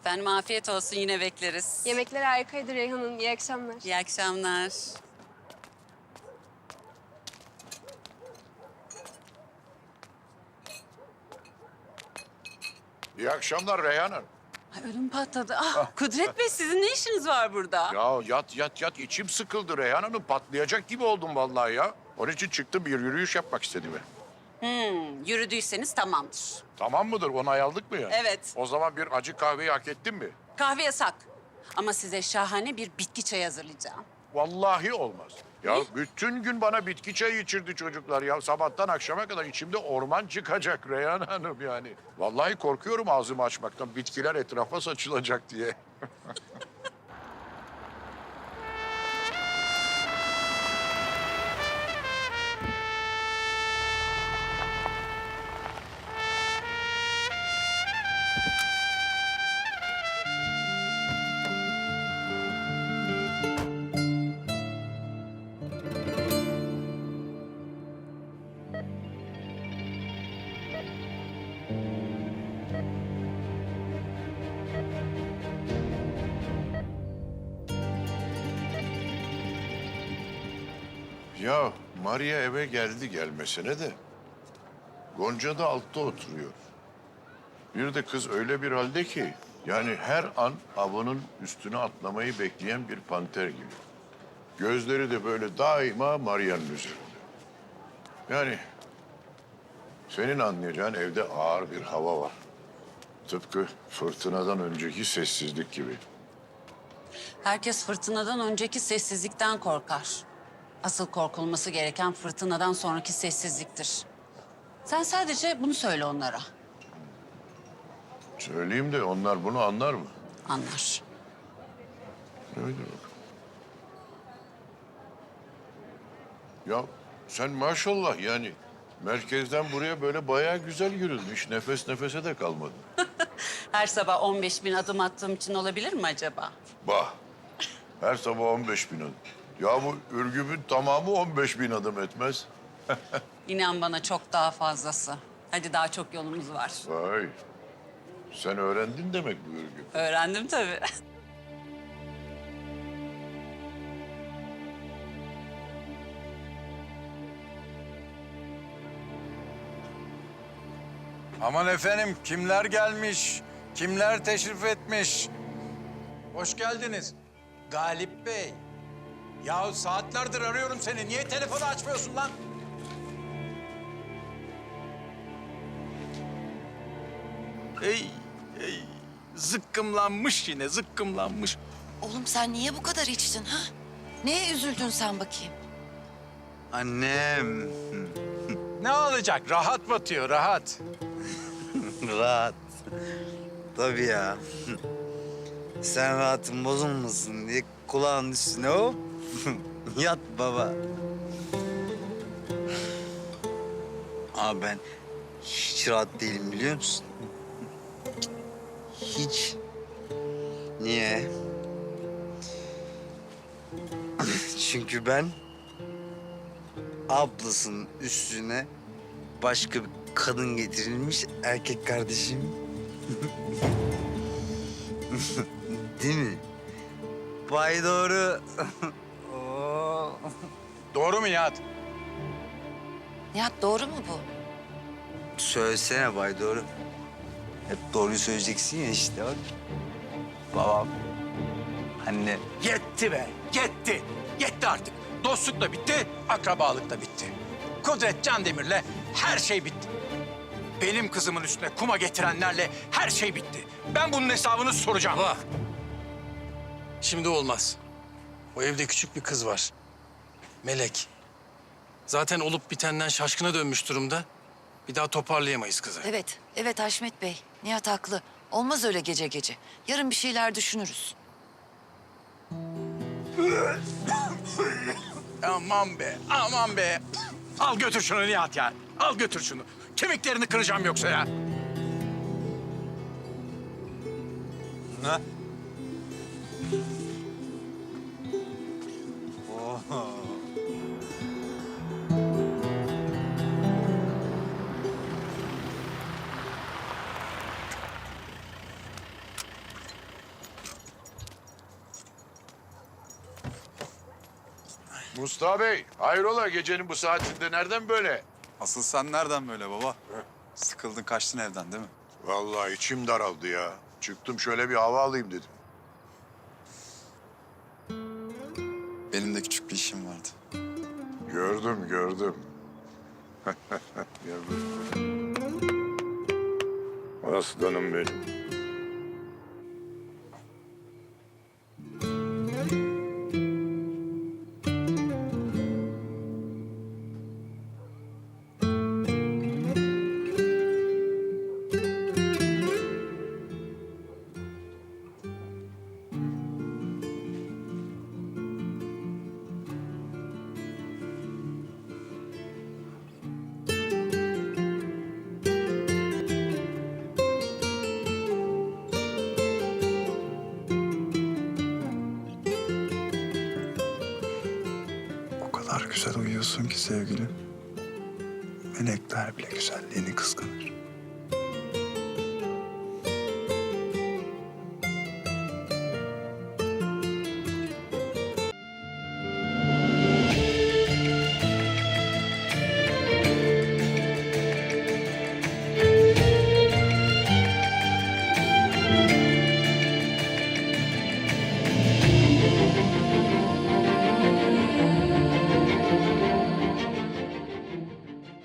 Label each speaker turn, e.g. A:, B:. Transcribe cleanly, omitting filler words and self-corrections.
A: Efendim afiyet olsun, yine bekleriz.
B: Yemekler harikaydı Reyhan Hanım. İyi akşamlar.
A: İyi akşamlar.
C: İyi akşamlar Reyhan Hanım.
A: Ay, ödüm patladı. Ah, Kudret Bey, sizin ne işiniz var burada?
C: Ya yat içim sıkıldı Reyhan Hanım. Patlayacak gibi oldum vallahi ya. Onun için çıktım, bir yürüyüş yapmak istedim.
A: Yürüdüyseniz tamamdır.
C: Tamam mıdır? Onay aldık mı ya?
A: Evet.
C: O zaman bir acı kahveyi hak ettin mi?
A: Kahve yasak. Ama size şahane bir bitki çayı hazırlayacağım.
C: Vallahi olmaz. Ya
A: Ne?
C: bütün gün bana bitki çayı içirdi çocuklar ya. Sabahtan akşama kadar içimde orman çıkacak Reyhan Hanım yani. Vallahi korkuyorum ağzımı açmaktan. Bitkiler etrafa saçılacak diye. Ya Maria eve geldi gelmesine de Gonca da altta oturuyor. Bir de kız öyle bir halde ki yani her an avının üstüne atlamayı bekleyen bir panter gibi. Gözleri de böyle daima Maria'nın üzerinde. Yani senin anlayacağın evde ağır bir hava var. Tıpkı fırtınadan önceki sessizlik gibi.
A: Herkes fırtınadan önceki sessizlikten korkar. Asıl korkulması gereken fırtınadan sonraki sessizliktir. Sen sadece bunu söyle onlara.
C: Söyleyeyim de onlar bunu anlar mı?
A: Anlar.
C: Öyle bak. Ya sen maşallah yani merkezden buraya böyle bayağı güzel yürüdün. Hiç nefes nefese de kalmadın.
A: Her sabah 15.000 adım attığım için olabilir mi acaba?
C: Bah, her sabah 15.000 adım. Ya bu Ürgüp'ün tamamı 15.000 adım etmez.
A: İnan bana çok daha fazlası. Hadi daha çok yolumuz var.
C: Vay, sen öğrendin demek bu Ürgüp.
A: Öğrendim tabii.
D: Aman efendim, kimler gelmiş, kimler teşrif etmiş? Hoş geldiniz. Galip Bey. Ya saatlerdir arıyorum seni. Niye telefonu açmıyorsun lan? Ey, zıkkımlanmış yine, zıkkımlanmış.
E: Oğlum sen niye bu kadar içtin ha? Neye üzüldün sen bakayım?
D: Annem. Ne olacak? Rahat batıyor, rahat.
F: Rahat. Tabii ya. Sen rahatın bozulmasın diye kulağın üstüne hop. Yat baba. Abi ben hiç rahat değilim biliyor musun? Hiç. Niye? Çünkü ben ablasının üstüne başka bir kadın getirilmiş erkek kardeşim. Değil mi? Bay doğru. Oo.
D: Doğru mu Nihat?
E: Nihat doğru mu bu?
F: Söylesene Bay doğru. Hep doğruyu söyleyeceksin ya işte bak. Babam, anne.
D: Yetti be, yetti. Yetti artık. Dostluk da bitti, akrabalık da bitti. Kudret Candemir'le her şey bitti. Benim kızımın üstüne kuma getirenlerle her şey bitti. Ben bunun hesabını soracağım.
G: Baba, şimdi olmaz. O evde küçük bir kız var. Melek. Zaten olup bitenden şaşkına dönmüş durumda. Bir daha toparlayamayız kızı.
E: Evet, evet Haşmet Bey. Nihat haklı. Olmaz öyle gece gece. Yarın bir şeyler düşünürüz.
D: Aman be, aman be. Al götür şunu Nihat ya. Al götür şunu. Kemiklerini kıracağım yoksa ya.
F: Ne?
C: Mustafa Bey, hayrola gecenin bu saatinde nereden böyle?
H: Asıl sen nereden böyle baba? Sıkıldın kaçtın evden değil mi?
C: Vallahi içim daraldı ya. Çıktım şöyle bir hava alayım dedim.
H: Benim de küçük bir işim vardı.
C: Gördüm, gördüm. Gördüm. Aslanım benim.
H: O kadar güzel uyuyorsun ki sevgilim. Melekler bile güzelliğini kıskanır.